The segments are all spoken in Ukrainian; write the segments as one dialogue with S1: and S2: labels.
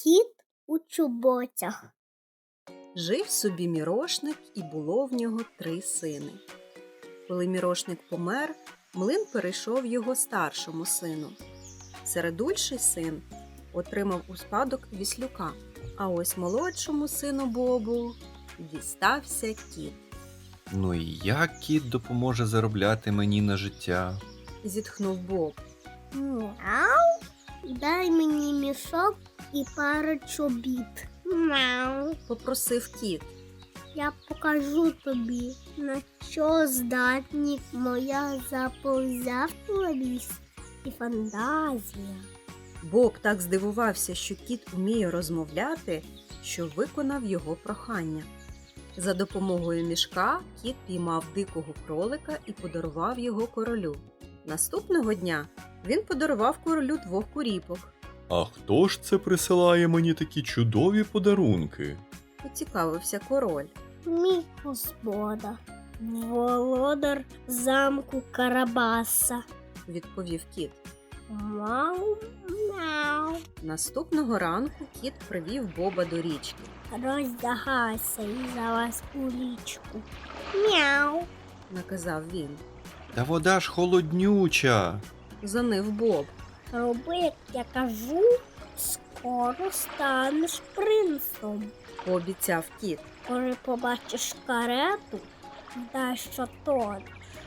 S1: Кіт у чоботях.
S2: Жив собі Мірошник, і було в нього 3 сини. Коли Мірошник помер, млин перейшов його старшому сину. Середульший син отримав у спадок віслюка, а ось молодшому сину Бобу дістався кіт.
S3: Ну і як кіт допоможе заробляти мені на життя?
S2: Зітхнув Боб.
S1: Мяу. Дай мені мішок і пару чобіт. Мяу.
S2: Попросив кіт.
S1: Я покажу тобі, на що здатні моя заповзятливість і фантазія.
S2: Боб так здивувався, що кіт уміє розмовляти, що виконав його прохання. За допомогою мішка кіт піймав дикого кролика і подарував його королю. Наступного дня він подарував королю 2 куріпок.
S3: А хто ж це присилає мені такі чудові подарунки?
S2: Поцікавився король.
S1: Мій господар, володар замку Карабаса.
S2: Відповів кіт.
S1: Мяу, мяу.
S2: Наступного ранку кіт привів Боба до річки.
S1: Роздягайся і залазь у річку. Мяу.
S2: Наказав він.
S3: Та вода ж холоднюча.
S2: Занив Боб.
S1: Роби, як я кажу, скоро станеш принцем.
S2: Пообіцяв кіт.
S1: Коли побачиш карету, дай що тонеш.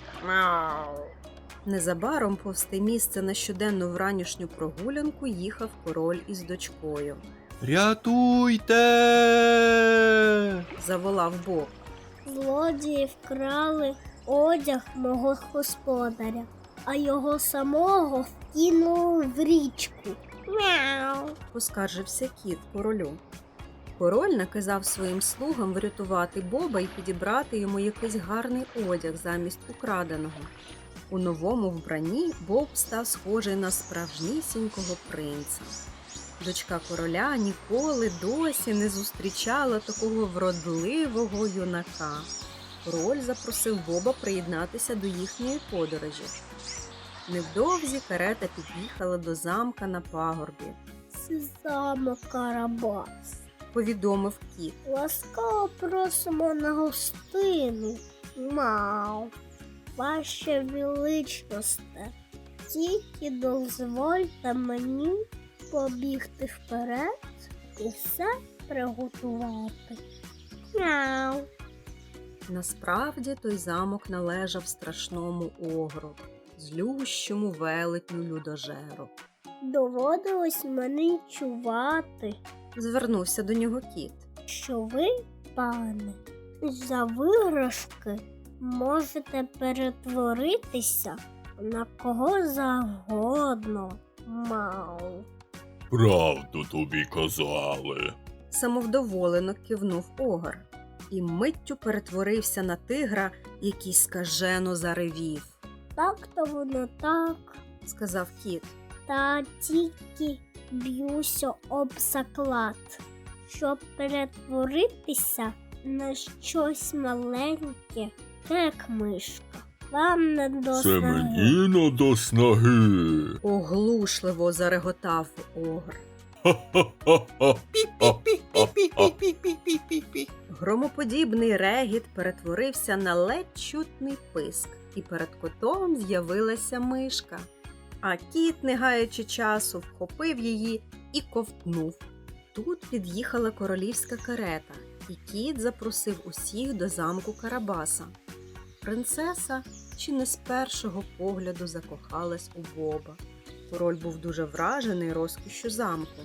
S2: Незабаром повз те місце на щоденну вранішню прогулянку їхав король із дочкою.
S3: Рятуйте!
S2: Заволав Боб.
S1: Злодії вкрали одяг мого господаря, а його самого вкинули в річку. Мяу.
S2: Поскаржився кіт королю. Король наказав своїм слугам врятувати Боба і підібрати йому якийсь гарний одяг замість украденого. У новому вбранні Боб став схожий на справжнісінького принца. Дочка короля ніколи досі не зустрічала такого вродливого юнака. Король запросив Боба приєднатися до їхньої подорожі. Невдовзі карета під'їхала до замка на пагорбі.
S1: Це замок Карабас.
S2: Повідомив кіт.
S1: Ласкаво просимо на гостину. Мау. Ваше величносте, тільки дозвольте мені побігти вперед і все приготувати. Мяу.
S2: Насправді той замок належав страшному огру, злющому велетню людожеру.
S1: Доводилось мені чувати,
S2: Звернувся до нього кіт.
S1: що ви, пане, за виграшки можете перетворитися на кого завгодно. Мау.
S3: Правду тобі казали.
S2: Самовдоволено кивнув огр і миттю перетворився на тигра, який скажено заревів.
S1: Так-то воно так,
S2: Сказав кіт.
S1: та тільки б'юся об заклад, щоб перетворитися на щось маленьке, як мишка. Вам не до
S3: Це
S1: снаги.
S3: мені не до снаги.
S2: Оглушливо зареготав огр. Громоподібний регіт перетворився на ледь чутний писк, і перед котом з'явилася мишка. А кіт, не гаючи часу, вхопив її і ковтнув. Тут під'їхала королівська карета, і кіт запросив усіх до замку Карабаса. Принцеса чи не з першого погляду закохалась у Боба. Король був дуже вражений розкішшю замку.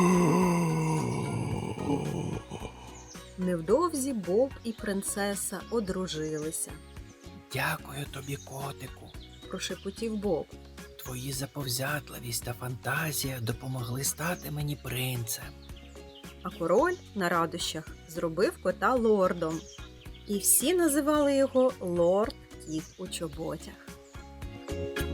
S2: Невдовзі Боб і принцеса одружилися.
S4: Дякую тобі, котику.
S2: Прошепотів Боб.
S4: Твої заповзятливість та фантазія допомогли стати мені принцем.
S2: А король на радощах зробив кота лордом. І всі називали його Лорд Кіт у чоботях.